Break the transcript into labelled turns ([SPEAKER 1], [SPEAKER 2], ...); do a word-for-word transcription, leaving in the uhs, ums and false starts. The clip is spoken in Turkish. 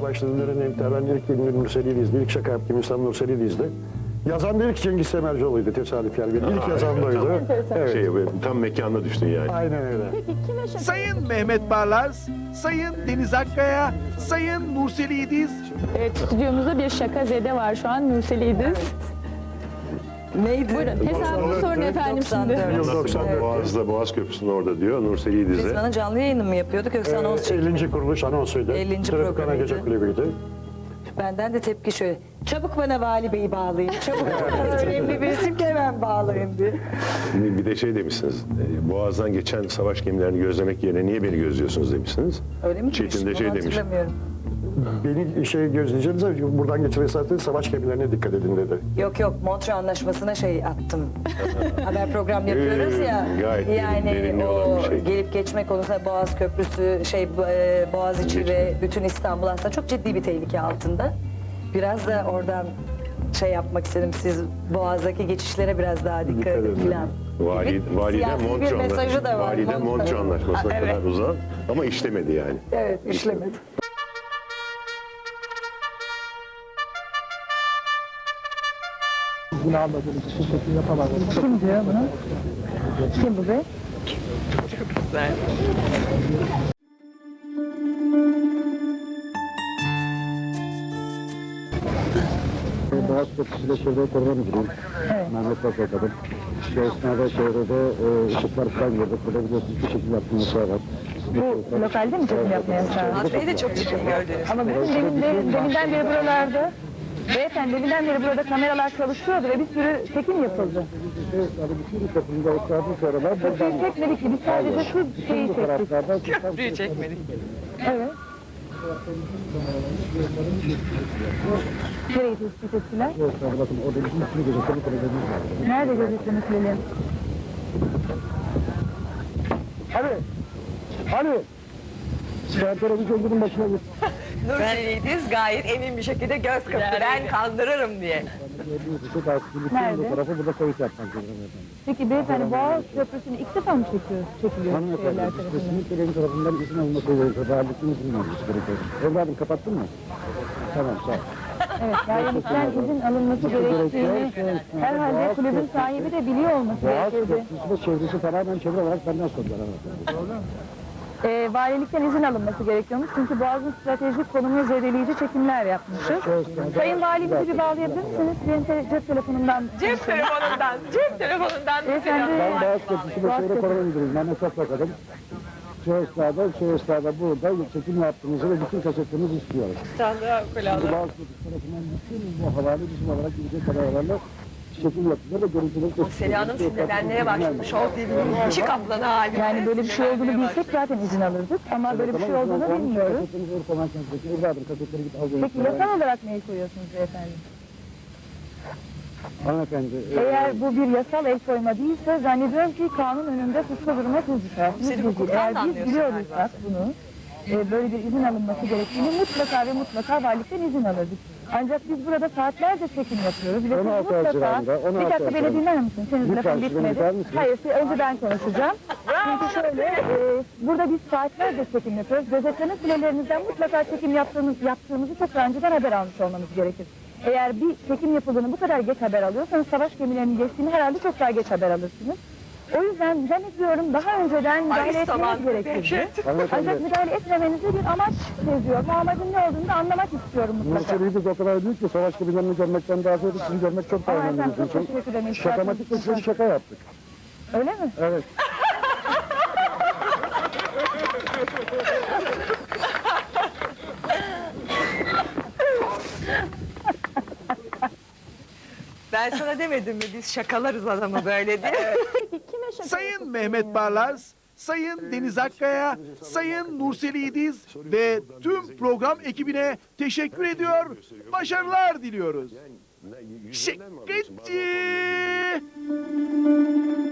[SPEAKER 1] başladığım dönem ben ilk filmi Nurseli izledi. İlk şaka yaptığım insan Nurseli izledi. Yazan da ilk Cengiz Semercioğlu'ydu tesadüf yani. Benim ilk yazan da oydu. Evet.
[SPEAKER 2] Şey, tam mekanına düştün yani.
[SPEAKER 1] Aynen öyle.
[SPEAKER 3] Sayın Mehmet Barlas, Sayın Deniz Akkaya, Sayın Nurseli İdiz.
[SPEAKER 4] Evet, stüdyomuzda bir şakazede var şu an, Nurseli İdiz.
[SPEAKER 5] Neydi?
[SPEAKER 4] Buyurun, hesabını sorun efendim şimdi.
[SPEAKER 1] Yıl doksan dört.
[SPEAKER 2] Boğaz'da, Boğaz Köprüsü'nün orada diyor Nurseli İdiz'e.
[SPEAKER 5] Biz bana canlı yayını mı yapıyorduk yoksa anons
[SPEAKER 1] Ee,
[SPEAKER 5] çekiyorduk?
[SPEAKER 1] ellinci kuruluş anonsuydu.
[SPEAKER 5] ellinci
[SPEAKER 1] Tırıkkana
[SPEAKER 5] programıydı.
[SPEAKER 1] Gece Kulübü'ydü.
[SPEAKER 5] Benden de tepki şöyle. Çabuk bana Vali Bey'i bağlayın. Çabuk bana önemli bir isim ki hemen bağlayın diye.
[SPEAKER 2] Bir de şey demişsiniz, e, Boğaz'dan geçen savaş gemilerini gözlemek yerine niye beni gözlüyorsunuz demişsiniz.
[SPEAKER 5] Öyle mi?
[SPEAKER 2] Çetin de
[SPEAKER 5] demiştim?
[SPEAKER 2] şey
[SPEAKER 5] Onu
[SPEAKER 2] demiş.
[SPEAKER 5] hatırlamıyorum.
[SPEAKER 1] Beni şey gözleyeceğiniz buradan geçiren zaten savaş gemilerine dikkat edin dedi.
[SPEAKER 5] Yok yok, Montre Anlaşması'na şey attım. Haber program yapıyoruz ya.
[SPEAKER 2] Ee, gayet derin-
[SPEAKER 5] yani
[SPEAKER 2] derinli
[SPEAKER 5] o
[SPEAKER 2] olan bir şey.
[SPEAKER 5] gelip geçme konusunda Boğaz Köprüsü, şey e, Boğaziçi
[SPEAKER 2] Geçme.
[SPEAKER 5] ve bütün İstanbul aslında çok ciddi bir tehlike altında. Biraz da oradan şey yapmak istedim. Siz Boğaz'daki geçişlere biraz daha dikkat
[SPEAKER 1] Dikkat
[SPEAKER 5] edin
[SPEAKER 1] edin.
[SPEAKER 5] falan.
[SPEAKER 2] Vali,
[SPEAKER 5] Bir
[SPEAKER 2] valide
[SPEAKER 5] siyasi bir
[SPEAKER 2] Montreux
[SPEAKER 5] mesajı
[SPEAKER 2] Anlaşması.
[SPEAKER 5] da var.
[SPEAKER 2] Valide
[SPEAKER 5] Montreux.
[SPEAKER 2] Montreux Anlaşması'na
[SPEAKER 5] Ha, evet.
[SPEAKER 2] kadar uzan ama işlemedi yani.
[SPEAKER 5] Evet, işlemedi.
[SPEAKER 6] Bunu almadığım için şekil yapamadım.
[SPEAKER 4] Kim diyor bunu? Kim bu be?
[SPEAKER 6] Boğaz Köprüsü'yle Çevre Koruma Müdürüyüm. Mehmet Başbakanım. Şu esnada çevrede e, ışıklar falan gördük. Burada biliyorsunuz bir şekil yaptığımız yasağı var.
[SPEAKER 4] Bu lokalde mi çekim yapmaya yasağı?
[SPEAKER 5] Adreyi de çok çirkin gördünüz.
[SPEAKER 4] Ama bütün demin, demin, deminden beri buralarda, beyefendi deminden beri burada kameralar çalışıyordu ve bir sürü çekim yapıldı.
[SPEAKER 6] Yani bütün toplumda ısrarlı sorular buradan.
[SPEAKER 4] Biz çekmedik ki, biz sadece şu şeyi
[SPEAKER 6] Bu
[SPEAKER 4] çektik.
[SPEAKER 6] taraflardan
[SPEAKER 5] Köprüyü çekmedik.
[SPEAKER 4] Evet. Nereyi tespit ettiler?
[SPEAKER 6] Esnada bakın orada bütün bütün gözetleme kulübemiz var.
[SPEAKER 4] Nerede gözetleme süreleri?
[SPEAKER 6] Hadi! Hadi! Ben televizyonun başına git.
[SPEAKER 5] Nurseli'yiz gayet emin bir şekilde göz kırptı. Ben kandırırım diye.
[SPEAKER 6] Çok az bütün
[SPEAKER 4] Nerede?
[SPEAKER 6] bu tarafı burada kayıt yapmak zorunda efendim.
[SPEAKER 4] Peki beyefendi Boğaz Köprüsü'nü ilk defa mı çekiyor, çekiliyor
[SPEAKER 6] Hanımefendi,
[SPEAKER 4] şeyler
[SPEAKER 6] biz
[SPEAKER 4] tarafından?
[SPEAKER 6] kesinlikle benim tarafından izin alması gerekiyor. Valilikten izin alması gerekiyor. Evladım kapattın mı? Tamam, sağ ol.
[SPEAKER 4] Evet, valilikten izin alınması gerektiğini herhalde kulübün sahibi de biliyor olması
[SPEAKER 6] Boğaz
[SPEAKER 4] gerekirdi.
[SPEAKER 6] Köprüsü ve çevresi tamamen çevre olarak benden sordular hanımefendi.
[SPEAKER 4] Ee, valilikten izin alınması gerekiyormuş çünkü Boğaz'ın stratejik konumunu zedeleyici çekimler yapmışız. Sayın Valimizi bir bağlayabilir misiniz? Benim te cep telefonumdan.
[SPEAKER 5] Cep telefonundan, cep telefonundan.
[SPEAKER 4] Beyefendi,
[SPEAKER 6] Ben Boğaz Köprüsü ve
[SPEAKER 4] Boğaz
[SPEAKER 6] çevre
[SPEAKER 4] Köprüsü.
[SPEAKER 6] koruma müdürüyüm. Mehmet Başbakanım. Şu esnada, şu esnada burada çekim yaptığınızı ve bütün kasetlerinizi istiyoruz. Şimdi Boğaz Köprüsü tarafından bütün bu havale bizim olarak gidecek kararlarla çekim yapılıyor ve görüntüleri...
[SPEAKER 5] Sela'nın sinirlenmeye başlamış. Show T V'nin işi kaplanı halinde.
[SPEAKER 4] Yani böyle bir şey olduğunu bilsek zaten izin alırdık ama böyle bir şey olduğunu bilmiyoruz.
[SPEAKER 6] Kasetlerinizi Urfa Merkezi'ndeki evladım kasetleri git al.
[SPEAKER 4] Peki yasal olarak neyi koyuyorsunuz beyefendi?
[SPEAKER 6] Hanımefendi...
[SPEAKER 4] Eğer bu bir yasal el koyma değilse zannediyorum ki kanun önünde suçlu duruma siz düşersiniz.
[SPEAKER 5] Seni
[SPEAKER 4] Biz-
[SPEAKER 5] hukuktan
[SPEAKER 4] Eğer
[SPEAKER 5] da
[SPEAKER 4] biz
[SPEAKER 5] anlıyorsun
[SPEAKER 4] biliyorsak bunu, e, böyle bir izin alınması gerektiğini mutlaka ve mutlaka valilikten izin alırdık. Ancak biz burada saatlerce çekim yapıyoruz ve siz
[SPEAKER 6] on altı
[SPEAKER 4] mutlaka...
[SPEAKER 6] Haziran'da, on altı
[SPEAKER 4] Bir dakika beni
[SPEAKER 6] Haziran'da.
[SPEAKER 4] dinler misin? Senin
[SPEAKER 6] Lütfen,
[SPEAKER 4] lafın
[SPEAKER 6] siz beni
[SPEAKER 4] bitmedi.
[SPEAKER 6] dinler misiniz?
[SPEAKER 4] Hayır, siz- önce ben konuşacağım. Çünkü şöyle, e, burada biz saatlerce çekim yapıyoruz. Gözetleme sürelerinizden mutlaka çekim yaptığımız, yaptığımızı çok daha önceden haber almış olmamız gerekir. Eğer bir çekim yapıldığını bu kadar geç haber alıyorsanız savaş gemilerinin geçtiğini herhalde çok daha geç haber alırsınız. O yüzden zannediyorum daha önceden müdahale etmeniz gerekirdi. Ancak müdahale etmemenizde bir amaç seziyor. Bu amacın ne olduğunu da anlamak istiyorum mutlaka.
[SPEAKER 6] Nurseli'yi o kadar büyük ki savaş gemilerini görmekten daha ziyade sizi görmek çok daha
[SPEAKER 4] Ama
[SPEAKER 6] önemli.
[SPEAKER 4] efendim çok
[SPEAKER 6] bizim için.
[SPEAKER 4] teşekkür ederim.
[SPEAKER 6] Şakamatik bir sürü şaka yaptık.
[SPEAKER 4] Öyle mi?
[SPEAKER 6] Evet.
[SPEAKER 5] Ben sana demedim mi biz şakalarız adamı böyle diye.
[SPEAKER 3] Sayın Mehmet Barlas, Sayın Deniz Akkaya, Sayın Nurseli İdiz ve tüm program ekibine teşekkür ediyor, başarılar diliyoruz. Şıkkıcı!